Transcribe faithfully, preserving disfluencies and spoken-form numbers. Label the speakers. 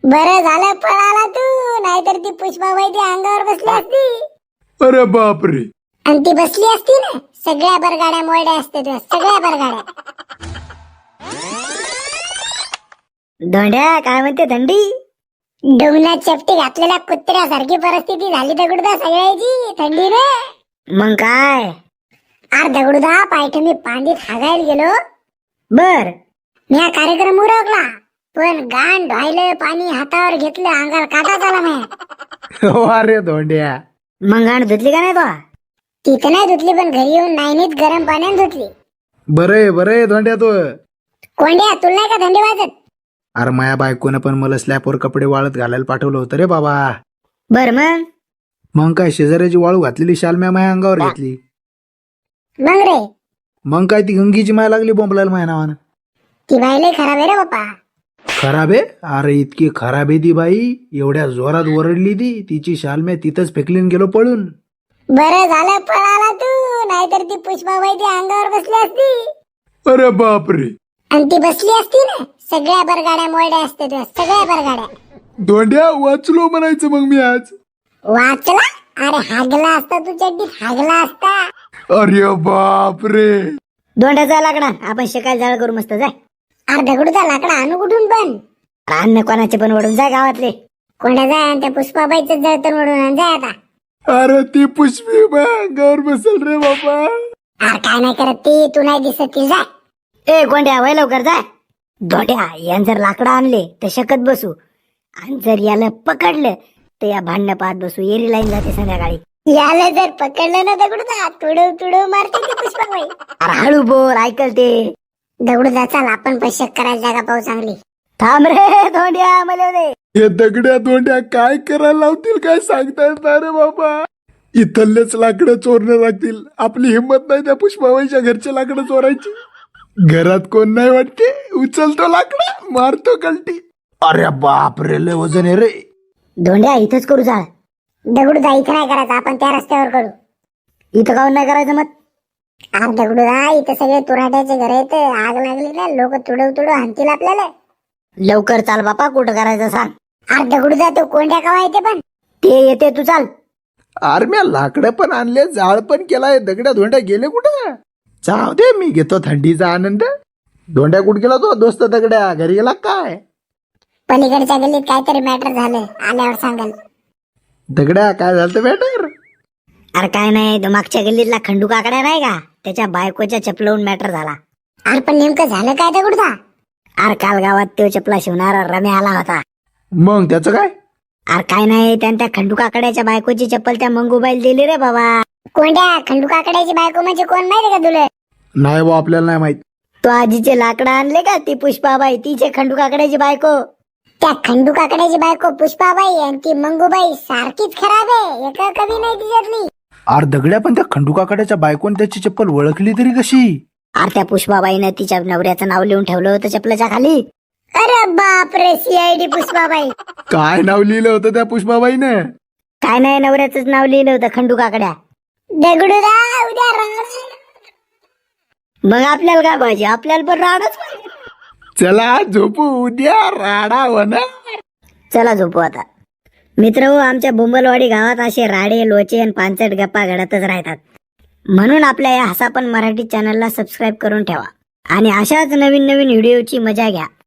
Speaker 1: बरं झालं पळाला तू, नाहीतर ती पुष्पाबाई ती अंगावर बसली असती.
Speaker 2: अरे बापरे.
Speaker 1: आणि ती बसली असती ना, सगळ्या बरगाड्या मोडल्या असते तुझ्या, सगळ्या बरगाड्या.
Speaker 3: धोंड्या काय म्हणते थंडी?
Speaker 1: डोंगणात चपटी घातलेल्या कुत्र्यासारखी परिस्थिती झाली दगडूदा सगळ्याची थंडीने.
Speaker 3: मग काय?
Speaker 1: अरे दगडूदा पायठ मी पांडीत हागायला गेलो,
Speaker 3: बर
Speaker 1: मी हा कार्यक्रम उरकला, पण गाण ढायलं पाणी हातावर घेतलं, अंगाला काटा झाला नाही.
Speaker 2: हो अरे धोंड्या.
Speaker 3: मग गाण धुतली का नाही तो?
Speaker 1: तिथं नाही धुतली, पण घरी येऊन नाईनीत गरम पाण्याने धुतली.
Speaker 2: बरे बरे धोंड्या तो.
Speaker 1: कोंड्या तुला नाही का थंडी वाजत?
Speaker 2: अरे माया बायकोनं पण मला स्लॅपवर कपडे वाळत घालायला पाठवलं होतं रे बाबा.
Speaker 3: बर मग
Speaker 2: मग काय शेजाऱ्याची वाळू घातलेली शाल म्या माया अंगावर घेतली.
Speaker 1: मग रे
Speaker 2: मग काय ती गंगीची माया लागली बोंबलायला माया नावानं.
Speaker 1: ती बाई लय खराब आहे रे बाप्पा.
Speaker 2: खराब आहे? अरे इतकी खराब आहे ती बाई, एवढ्या जोरात ओरडली ती, तिची शाल म्या तिथंच फेकलीन गेलो पळून.
Speaker 1: बरं झालं पळाला तू, नाहीतर ती पुष्पाबाई ती अंगावर बसली असती.
Speaker 2: अरे बापरे.
Speaker 1: आणि ती बसली असती ना, सगळ्या बरगाड्या मोडल्या असते तुझ्या, सगळ्या बरगाड्या.
Speaker 2: धोंड्या वाचलो म्हणायचं मग मी आज.
Speaker 1: वाचला? अरे हागला असता तू चड्डीत, हागला असता.
Speaker 2: अरे बापरे.
Speaker 3: धोंड्याचा लाकडा आपण शिकायला जाळ करू मस्त जाय.
Speaker 1: अरे दगडूचा लाकडा आणू कुठून पण?
Speaker 3: अन्न कोणाचे पण ओढून जाय गावातले.
Speaker 1: कोंड्या जाय आणि त्या पुष्पाबाईचं जळतण ओढून आण, जाय आता.
Speaker 2: अरे ती पुष्पी माया अंगावर बसल रे बाबा.
Speaker 1: अरे काय नाही करत ती, तू नाही दिसत ती, जाय.
Speaker 3: ए कोंड्या वय लवकर जाय. धोंड्या यान जर लाकडं आणले तर शकत बसू, आणि जर याला पकडलं तर या भांडणं पाहत बसू. एरी लाईन जाते संध्याकाळी.
Speaker 1: याला जर पकडलं ना दगडूचा, तुडव तुडव मारते ती पुष्पाबाई.
Speaker 3: अरे हळू बोल, ऐकल ते.
Speaker 1: दगडूचा चाल आपण पैसे करायला जागा पाहू चांगली.
Speaker 3: थांब रे धोंड्या मला दे.
Speaker 2: हे दगड्या धोंड्या काय करायला लावतील काय सांगता येत नाही रे बाबा. इथलेच लाकडं चोरणं लागतील. आपली हिंमत नाही त्या पुष्पाबाईच्या घरचे लाकडं चोरायची. घरात कोण नाही वाटते, उचलतो लाकडं मारतो कलटी. अरे बापरे लय वजन आहे रे.
Speaker 3: धोंड्या इथंच करू जाळ.
Speaker 1: दगडूदा इथं नाही करायचं, आपण त्या रस्त्यावर करू.
Speaker 3: इथं काऊन नाही करायचं मग?
Speaker 1: अरे दगडूदा इथं सगळे तुराट्याचे घर आहेत, आग लागली ना, लोक तुडव तुडव हाणतील आपल्याला.
Speaker 3: लवकर चाल बापा, कुठं करायचं सांग.
Speaker 1: अरे दगडूदा तो कोंड्या कवा येते पण?
Speaker 3: ते येते तू चाल.
Speaker 2: अरे म्या लाकडं पण आणले, जाळ पण केलाय, दगड्या धोंड्या गेले कुठं? जाऊ दे, मी घेतो थंडीचा आनंद. धोंड्या कुठं गेला तो दोस्त दगड्या? घरी गेला काय?
Speaker 1: पलीकडच्या गल्लीत काहीतरी मॅटर झालं, आल्यावर सांगाल.
Speaker 2: दगड्या काय झालं मॅटर?
Speaker 3: अरे काय नाही, तो मागच्या गल्लीतला खंडू काकड्या नाही का, त्याच्या बायकोच्या चपलावून मॅटर झाला.
Speaker 1: अरे पण नेमकं झालं काय दगडूदा?
Speaker 3: अरे काल गावात तो चपला शिवणारा रम्या आला होता.
Speaker 2: मग त्याचं काय?
Speaker 3: अरे काय नाही, त्यानं त्या खंडू काकड्याच्या बायकोची चप्पल त्या मंगूबाईल दिली रे बाबा.
Speaker 1: कोंड्या खंडू काकड्याची बायको म्हणजे कोण माहिती का तुला?
Speaker 2: नाही बा, आपल्याला नाही माहित.
Speaker 3: तो आजीचे लाकडं आणले का, ती पुष्पाबाई तिचे खंडू काकड्याची बायको.
Speaker 1: त्या खंडू काकड्याची बायको पुष्पाबाई आणि ती मंगूबाई सारखीच खराब आहे, एका कमी नाही तिच्यातली.
Speaker 2: अरे दगड्या पण त्या खंडू काकड्याच्या बायकोने त्याची चप्पल ओळखली तरी कशी?
Speaker 3: अरे त्या पुष्पाबाईनं तिच्या नवऱ्याचं नाव लिहून ठेवलं होतं चपलाच्या खाली.
Speaker 1: अरे बापरे, सीआयडी पुष्पाबाई.
Speaker 2: काय नाव लिहिलं होतं त्या पुष्पाबाईनं?
Speaker 3: काय नाही, नवऱ्याचंच नाव लिहिलं होतं खंडू काकड्या.
Speaker 1: दगडूदा उद्या राहणार.
Speaker 3: मग आपल्याला काय पाहिजे? आपल्याला पण राहणच पाहिजे.
Speaker 2: चला झोपू, उद्या राडा होणार.
Speaker 3: चला झोपू आता. मित्र हो, आमच्या बोंबलवाडी गावात असे राडे लोचे आणि पानसट गप्पा घडतच राहतात. म्हणून आपल्या या हसापण मराठी चॅनलला सबस्क्राईब करून ठेवा आणि अशाच नवीन नवीन व्हिडिओची मजा घ्या.